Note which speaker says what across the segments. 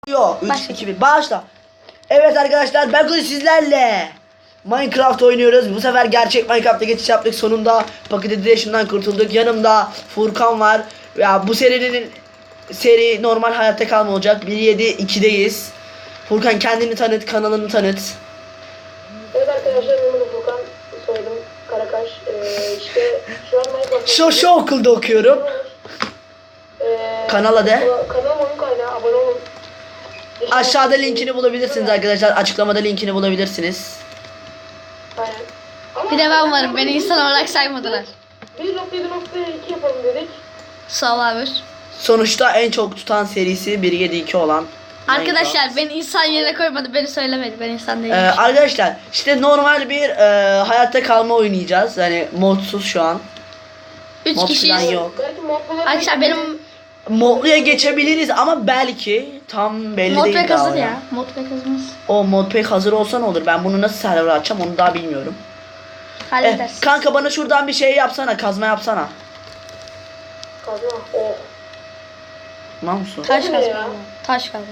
Speaker 1: Yok 3 2 1 başla. Evet arkadaşlar ben bugün sizlerle Minecraft oynuyoruz. Bu sefer gerçek Minecraft'a geçiş yaptık. Sonunda Pocket Edition'dan kurtulduk. Yanımda Furkan var. Ya bu seri normal hayatta kalma olacak. 1.7.2'deyiz. Furkan kendini tanıt, kanalını tanıt.
Speaker 2: Evet arkadaşlar benim Furkan, soyadım Karakaş. İşte şu an Minecraft.
Speaker 1: Şu okulda okuyorum. Kanala de.
Speaker 2: Kanalım oyun kaynağı, abone olun.
Speaker 1: Aşağıda linkini bulabilirsiniz arkadaşlar. Açıklamada linkini bulabilirsiniz.
Speaker 2: Aynen. Ama
Speaker 3: Bir de ben varım. Beni insan olarak saymadılar.
Speaker 2: 1.7.2 yapalım dedik.
Speaker 3: Survivor.
Speaker 1: Sonuçta en çok tutan serisi 1.7.2 olan
Speaker 3: Arkadaşlar beni insan yerine koymadı. Beni söylemedi. Ben insan değilim.
Speaker 1: Arkadaşlar işte normal bir hayatta kalma oynayacağız. Yani modsuz şu an.
Speaker 3: 3
Speaker 1: mod
Speaker 3: kişiyiz.
Speaker 1: falan yok.
Speaker 2: Belki modları...
Speaker 3: Arkadaşlar benim
Speaker 1: Modluya geçebiliriz ama belki tam belli
Speaker 3: mod
Speaker 1: değil
Speaker 3: pek
Speaker 1: daha
Speaker 3: hazır
Speaker 1: ya.
Speaker 3: ya. Mod pek hazırız.
Speaker 1: O mod pek hazır olsa ne olur? Ben bunu nasıl server açacağım onu daha bilmiyorum.
Speaker 3: Hallederiz.
Speaker 1: Kanka bana şuradan bir şey yapsana, kazma yapsana.
Speaker 2: Kazma. Oh.
Speaker 1: Tamam mısın?
Speaker 3: Taş
Speaker 2: Bu ne ya?
Speaker 3: kazma. Taş kazma.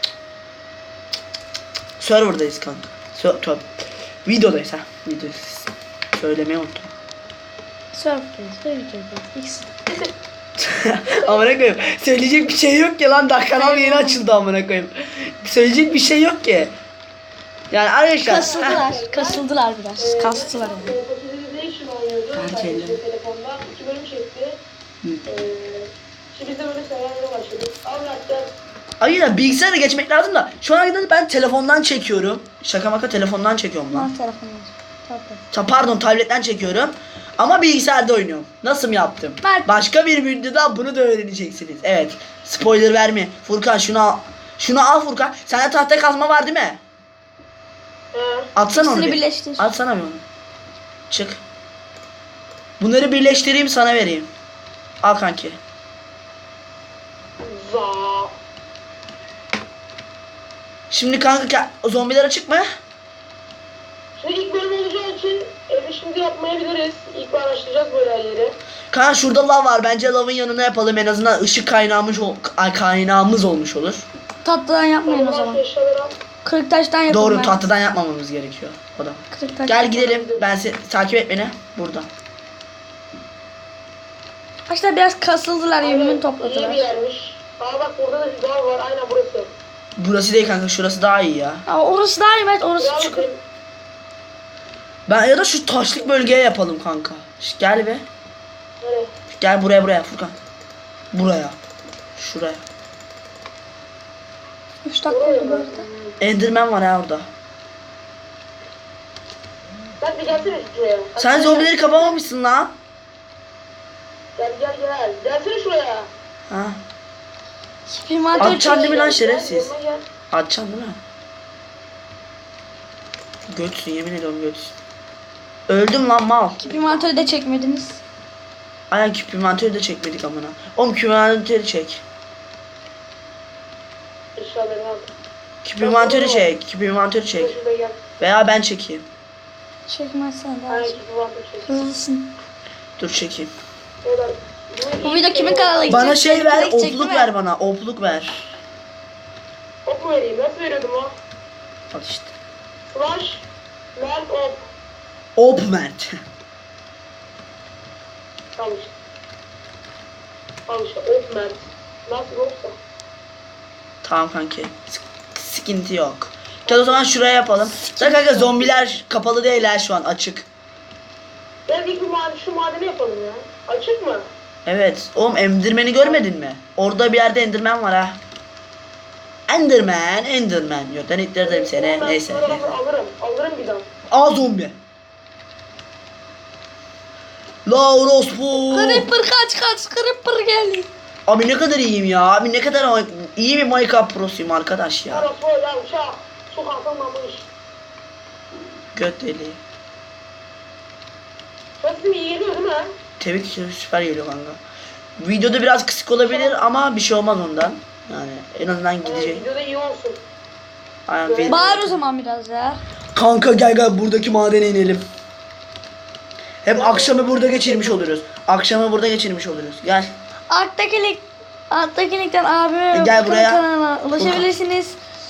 Speaker 1: Serverdayız kanka. Videodayız ha. Videodayız. Söylemeyi unuttum.
Speaker 3: Surf'teyiz. Surf'teyiz. X.
Speaker 1: Amına koyayım. Söyleyecek bir şey yok ki lan, daha kanal yeni açıldı amına koyayım. Söyleyecek bir şey yok ki. Yani arkadaşlar.
Speaker 3: Kasıldılar. Kasıldılar biraz. Kastılar.
Speaker 2: Pocket Edition oynuyordu.
Speaker 1: Belki
Speaker 2: Yani
Speaker 1: elle.
Speaker 2: telefondan 2 bölüm çekti. Şimdi biz de böyle serverlere başladık. Abi hatta
Speaker 1: Hayır bilgisayara geçmek lazım da şu an kadar ben telefondan çekiyorum. Şaka maka telefondan çekiyorum lan.
Speaker 3: Lan telefonum. Tablet.
Speaker 1: Pardon tabletten çekiyorum. Ama bilgisayarda oynuyorum. Nasıl mı yaptım?
Speaker 3: Ben-
Speaker 1: Başka bir videoda bunu da öğreneceksiniz. Evet. Spoiler verme. Furkan şunu al. Şunu al Furkan. Sende tahta kazma var değil mi? Atsana onu.
Speaker 3: İkisini
Speaker 1: bir.
Speaker 3: birleştir.
Speaker 1: Atsana bir onu. Çık. Bunları birleştireyim sana vereyim. Al kanki.
Speaker 2: za.
Speaker 1: Şimdi kanka zombiler açık mı?
Speaker 2: Şimdi ilk bölüm olacağı için evi şimdi yapmayabiliriz. İlk araştıracağız böyle her yeri.
Speaker 1: Kanka şurada lav var. Bence lavın yanına yapalım. En azından ışık kaynağımız olmuş olur.
Speaker 3: Tatlıdan yapmayın o zaman.
Speaker 2: Eşyaları al.
Speaker 3: Kırık taştan yapın.
Speaker 1: Doğru
Speaker 3: ben.
Speaker 1: tahtadan yapmamamız gerekiyor. O da.
Speaker 3: Kırık taş.
Speaker 1: Gel gidelim. Ben takip et beni. Burada.
Speaker 3: Arkadaşlar biraz kasıldılar. Yemin
Speaker 2: İyi bir
Speaker 3: topladılar.
Speaker 2: yermiş. Aa bak burada da bir dağ var. Aynen burası.
Speaker 1: Burası değil kanka. Şurası daha iyi ya.
Speaker 3: Aa, orası daha iyi. Evet orası
Speaker 2: Devam
Speaker 3: çukur.
Speaker 2: edelim.
Speaker 1: Ben ya da şu taşlık bölgeye yapalım kanka. Gel be.
Speaker 2: Nereye?
Speaker 1: Gel buraya Furkan. Buraya. Şuraya.
Speaker 3: 3 dakika oldu bu arada.
Speaker 1: Enderman var ya orada.
Speaker 2: Sen bir gelsene şuraya.
Speaker 1: Sen
Speaker 2: Hadi
Speaker 1: zombileri kapamamışsın lan.
Speaker 2: Gel gel gel. Gelsene şuraya.
Speaker 1: Ha.
Speaker 3: Bir mantar
Speaker 1: Atacaksın değil mi lan
Speaker 2: Gel,
Speaker 1: şerefsiz?
Speaker 2: yanıma gel.
Speaker 1: Atacaksın değil mi? Götsün yemin ediyorum götsün. Öldüm lan mal.
Speaker 3: bir mantarı da çekmediniz.
Speaker 1: Aynen küp inventörü de çekmedik amına. Oğlum küp inventörü çek.
Speaker 2: Eşyalarını al.
Speaker 1: Küp inventörü çek. Küp inventörü çek.
Speaker 2: Şurada gel.
Speaker 1: Veya ben çekeyim.
Speaker 3: Çekmezsen daha
Speaker 2: Aynen
Speaker 3: iyi.
Speaker 2: gibi var bir şey.
Speaker 3: Hızlısın.
Speaker 1: Dur çekeyim.
Speaker 2: Oradan.
Speaker 3: Bu video kimin kanalına gidecek?
Speaker 1: Bana şey ver,
Speaker 3: Gidecek, değil
Speaker 1: opluk
Speaker 3: mi?
Speaker 1: ver bana. Opluk ver.
Speaker 2: Ok mu vereyim? Nasıl veriyordum o?
Speaker 1: Al işte.
Speaker 2: Flash. Melt ok.
Speaker 1: Op Mert.
Speaker 2: Al işte. Al işte. Ok melt. Nasıl yoksa?
Speaker 1: Tamam kanki. Sıkıntı yok. Gel o zaman şuraya yapalım. Da kanka zombiler kapalı değiller şu an açık.
Speaker 2: Gel ilk bir şu madeni yapalım ya. Açık mı?
Speaker 1: Evet. Oğlum Enderman'i görmedin mi? Orada bir yerde Enderman var ha. Enderman. Yok ben ittirdim seni.
Speaker 2: Ben
Speaker 1: Neyse.
Speaker 2: bunları
Speaker 1: neyse.
Speaker 2: Alırım bir daha.
Speaker 1: Aa zombi. La orospu.
Speaker 3: Creeper kaç. Creeper geldi.
Speaker 1: Abi ne kadar iyiyim ya. Abi ne kadar iyi bir Minecraft prosuyum arkadaş ya.
Speaker 2: Orası böyle uçağı. Su kalkamamış.
Speaker 1: Göt deliği.
Speaker 2: Sesim iyi geliyor değil mi?
Speaker 1: Tabii ki süper geliyor kanka. Videoda biraz kısık olabilir ama bir şey olmaz ondan. Yani en azından gidecek.
Speaker 2: Videoda iyi olsun.
Speaker 1: Aynen.
Speaker 3: Bağır o zaman biraz ya.
Speaker 1: Kanka gel buradaki madene inelim. Hem akşamı burada geçirmiş oluruz. Gel.
Speaker 3: Alttaki linkten abime
Speaker 1: Gel buraya.
Speaker 3: kanalına ulaşabilirsiniz.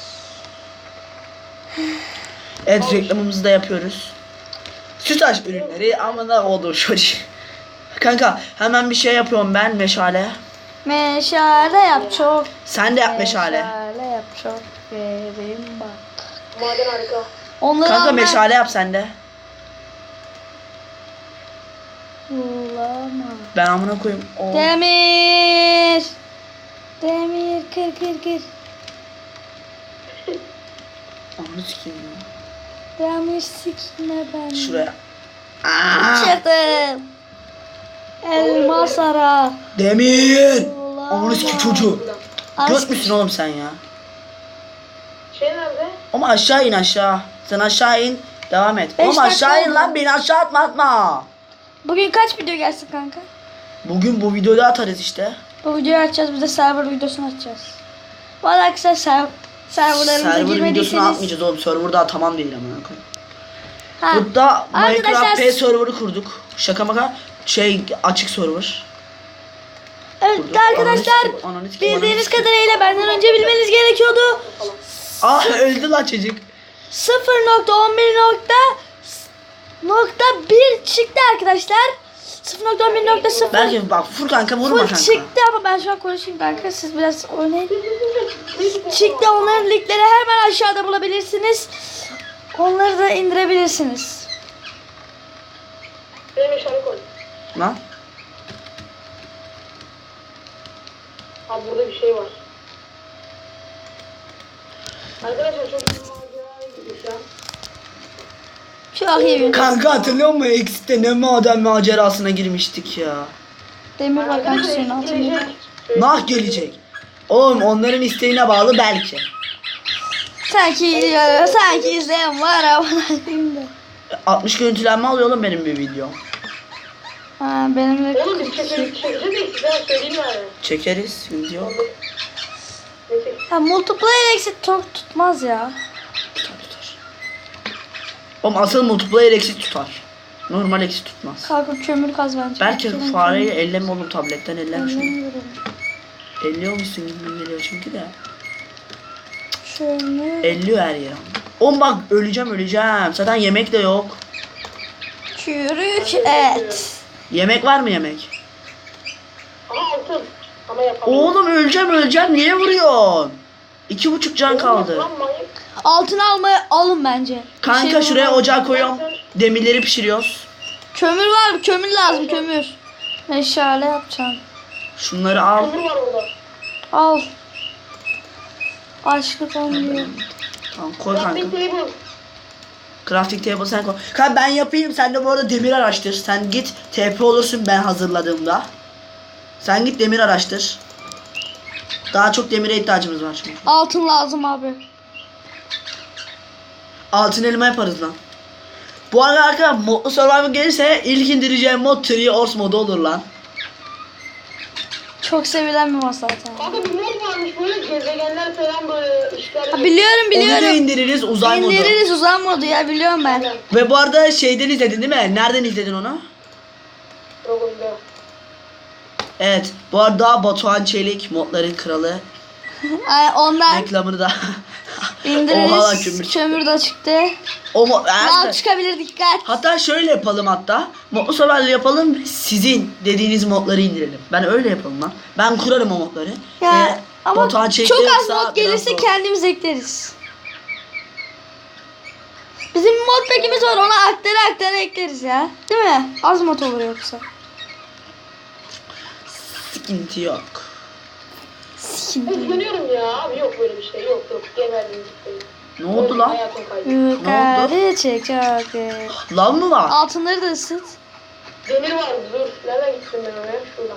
Speaker 1: Evet, reklamımızı da yapıyoruz. Sütaş ürünleri ama da oldu çocuğum. Kanka hemen bir şey yapıyorum ben, meşale.
Speaker 3: Meşale yap çok.
Speaker 1: Sen de yap meşale.
Speaker 3: Meşale yap çok. Vereyim bak.
Speaker 2: Maden harika.
Speaker 3: Onları
Speaker 1: Kanka
Speaker 3: alma.
Speaker 1: meşale yap sen de.
Speaker 3: Bulama.
Speaker 1: Ben amına koyayım. Oo.
Speaker 3: Demir. Demir kır.
Speaker 1: Ananı sikeyim ya.
Speaker 3: Demir sikme ben.
Speaker 1: Şuraya. Aa!
Speaker 3: Çıktım. Elmas ara.
Speaker 1: Demir.
Speaker 3: Bulama.
Speaker 1: Ananı sikeyim çocuğu.
Speaker 3: Aşk-
Speaker 1: Göt müsün oğlum sen ya?
Speaker 2: Şey nerede?
Speaker 1: Ama aşağı in aşağı. Sen aşağı in. Devam et.
Speaker 3: Beş
Speaker 1: Oğlum
Speaker 3: dakika
Speaker 1: aşağı in
Speaker 3: oldu.
Speaker 1: lan, beni aşağı atma.
Speaker 3: Bugün kaç video gelsin kanka?
Speaker 1: Bugün bu videoyu atarız işte.
Speaker 3: Bu videoyu açacağız. Bir de server videosunu açacağız. Bu arada arkadaşlar serverlarımıza
Speaker 1: Server videosunu
Speaker 3: girmediyseniz.
Speaker 1: atmayacağız oğlum. Server daha tamam değil amına koyayım.
Speaker 3: Ha.
Speaker 1: Burada
Speaker 3: Arkadaşlar-
Speaker 1: Minecraft P server'ı kurduk. Şaka maka açık server.
Speaker 3: Evet
Speaker 1: Burada.
Speaker 3: arkadaşlar
Speaker 1: Ananı sikeyim,
Speaker 3: bildiğiniz
Speaker 1: ananı sikeyim.
Speaker 3: kadarıyla benden önce bilmeniz gerekiyordu.
Speaker 1: Ah öldü lan çocuk.
Speaker 3: 0.11.1 çıktı arkadaşlar. 0.11.0
Speaker 1: Belki bak Furkan kanka vurma
Speaker 3: full
Speaker 1: kanka.
Speaker 3: çıktı ama ben şu an konuşayım kanka, siz biraz oynayın. Çıktı, onların linkleri hemen aşağıda bulabilirsiniz. Onları da indirebilirsiniz.
Speaker 2: Benim meşale koy.
Speaker 1: Lan.
Speaker 2: Abi burada bir şey var. Arkadaşlar çok bir maceraya gidiyor şu an.
Speaker 3: Çok iyi bir
Speaker 1: Kanka hatırlıyor musun? Exit'te ne maden macerasına girmiştik ya.
Speaker 3: demir var kanka
Speaker 2: Arkadaşlar
Speaker 3: senin altında.
Speaker 2: gelecek.
Speaker 1: Nah gelecek. Oğlum onların isteğine bağlı belki.
Speaker 3: Sanki izleyen var ama.
Speaker 1: 60 görüntülenme alıyor oğlum benim bir video.
Speaker 3: Ha, benim de
Speaker 2: Oğlum biz çekeceğiz de size söyleyeyim yani.
Speaker 1: Çekeriz video.
Speaker 2: Neyse.
Speaker 3: ha, multiplayer exit çok tutmaz ya.
Speaker 1: Tutar. Oğlum asıl multiplayer exit tutar. Normal exit tutmaz.
Speaker 3: Kalkıp kömür kaz bence.
Speaker 1: Belki
Speaker 3: Kömür-
Speaker 1: fareyi elleme oğlum, tabletten elleme şunu.
Speaker 3: Ellemiyorum.
Speaker 1: Elliyormuşsun gibi geliyor çünkü de.
Speaker 3: Kömür.
Speaker 1: Elliyor her yer. Oğlum bak öleceğim. Zaten yemek de yok.
Speaker 3: Çürük et.
Speaker 1: Yemek var mı yemek?
Speaker 2: Aha altın. Ama yapamam.
Speaker 1: Oğlum öleceğim. Niye vuruyorsun? 2,5 can kaldı.
Speaker 2: Lan manyak.
Speaker 3: Altın alın bence. Bir
Speaker 1: Kanka
Speaker 3: şey
Speaker 1: şuraya
Speaker 3: bulmam.
Speaker 1: ocağı koyuyorum. Demirleri pişiriyoruz.
Speaker 3: Kömür var mı? Kömür lazım, kömür. Meşale yapacağım.
Speaker 1: Şunları al.
Speaker 2: Kömür var orada.
Speaker 3: Al. Açlık olmuyor.
Speaker 1: Tamam koy kanka.
Speaker 2: Crafting table.
Speaker 1: Crafting table sen koy. Kanka ben yapayım, sen de bu arada demir araştır. Sen git TP olursun ben hazırladığımda. Sen git demir araştır. Daha çok demire ihtiyacımız var çünkü.
Speaker 3: Altın lazım abi.
Speaker 1: Altın elma yaparız lan. Bu arada arkadaşlar modlu survival gelirse ilk indireceğim mod Tree Horse modu olur lan.
Speaker 3: Çok sevilen bir mod zaten.
Speaker 2: Kanka bir mod varmış böyle gezegenler falan böyle işler.
Speaker 3: Ha, biliyorum
Speaker 1: Onu da
Speaker 3: biliyorum.
Speaker 1: indiririz uzay modu.
Speaker 3: İndiririz uzay modu ya, biliyorum ben.
Speaker 1: Ve bu arada şeyden izledin değil mi? Nereden izledin onu?
Speaker 2: Programda.
Speaker 1: Evet. Bu arada Batuhan Çelik modların kralı.
Speaker 3: Ay, ondan
Speaker 1: Reklamını da. Oha lan
Speaker 3: indiririz.
Speaker 1: kömür.
Speaker 3: Kömür de çıktı.
Speaker 1: O mod.
Speaker 3: Lav çıkabilir, dikkat.
Speaker 1: Hatta şöyle yapalım hatta. Modlu survival yapalım. Sizin dediğiniz modları indirelim. Ben öyle yapalım lan. Ben kurarım o modları.
Speaker 3: Ya ama
Speaker 1: Batuhan Çelik
Speaker 3: çok az
Speaker 1: yoksa
Speaker 3: mod
Speaker 1: biraz
Speaker 3: gelirse
Speaker 1: zor.
Speaker 3: kendimiz ekleriz. Bizim bir mod pack'imiz var, ona aktara ekleriz ya. Değil mi? Az mod olur yoksa.
Speaker 1: Sıkıntı yok.
Speaker 3: Sikim.
Speaker 2: Üzgünüyorum ya abi, yok böyle bir şey, yok geberdim gitti.
Speaker 1: Ne oldu lan?
Speaker 2: Hayatım kaydı.
Speaker 3: Yukarı çek hadi.
Speaker 1: Lan mı var?
Speaker 3: Altınları da ısıt.
Speaker 2: Demir var, dur. Nereden gittim ben oraya? Şuradan.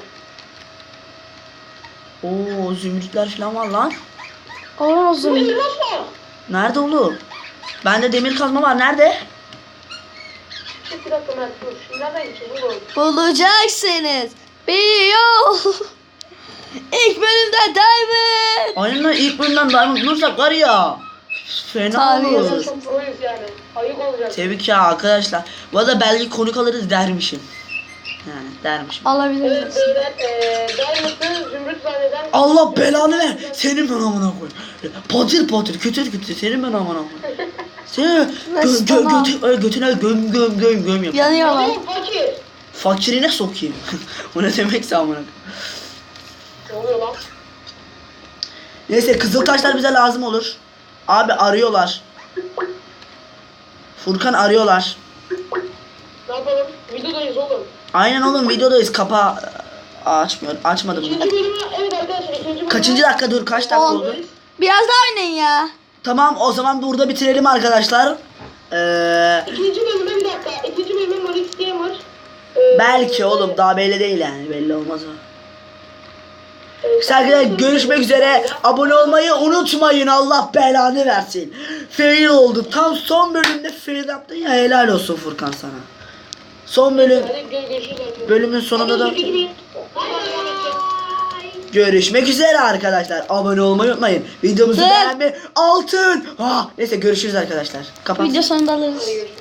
Speaker 1: Oo zümrütler falan var lan.
Speaker 3: Oğlum o zaman.
Speaker 2: Demir nasıl?
Speaker 1: Nerede oğlum? Bende demir kazma var. Nerede?
Speaker 2: Bir dakika Mert, dur. Şimdi nereden gideceğiz oğlum?
Speaker 3: Bulacaksınız. Bir yol. İlk bölümde diamond.
Speaker 1: Aynen lan, ilk bölümden diamond bulursak var ya. Fena
Speaker 3: Tabii.
Speaker 1: olur.
Speaker 2: Çok proyuz yani. Ayık olacak.
Speaker 1: Tebrik ya arkadaşlar. Bu arada belki konuk alırız dermişim. Yani dermişim.
Speaker 3: Alabiliriz.
Speaker 2: Evet beyler Diamond'ı zümrüt zanneden...
Speaker 1: Allah belanı ver. Senin ben amına koy. Patır patır kütür kütür senin ben amına koy. Seni götüne göm göm göm göm yap.
Speaker 3: Yanıyorlar.
Speaker 2: Oğlum fakir.
Speaker 1: Fakirine sokayım. O ne demekse amına koy.
Speaker 2: Ne oluyor lan?
Speaker 1: Neyse kızıl taşlar bize lazım olur. Abi arıyorlar. Furkan arıyorlar.
Speaker 2: Ne yapalım? Videodayız oğlum.
Speaker 1: Aynen oğlum videodayız. Kapa açmıyor. Açmadım.
Speaker 2: İkinci bölümü evet arkadaşlar ikinci bölümü.
Speaker 1: Kaçıncı dakika dur kaç dakika
Speaker 3: On.
Speaker 1: oldu?
Speaker 3: Biraz daha oynayın ya.
Speaker 1: Tamam o zaman burada bitirelim arkadaşlar.
Speaker 2: İkinci bölüme bir dakika. İkinci bölüme Maris Gamer.
Speaker 1: Belki oğlum daha belli değil yani. Belli olmaz o. Arkadaşlar görüşmek üzere. Abone olmayı unutmayın. Allah belanı versin. Fail oldu. Tam son bölümde fail yaptın ya. Helal olsun Furkan sana. Son bölüm.
Speaker 2: Hadi görüşürüz arkadaşlar.
Speaker 1: Bölümün sonunda da
Speaker 2: İkinci bölüm. Bye.
Speaker 1: görüşmek üzere arkadaşlar. Abone olmayı unutmayın. Videomuzu
Speaker 3: Evet.
Speaker 1: beğenmeyi altın. Neyse görüşürüz arkadaşlar. Kapat.
Speaker 3: Video sonunda alırız.
Speaker 2: Hadi görüşürüz.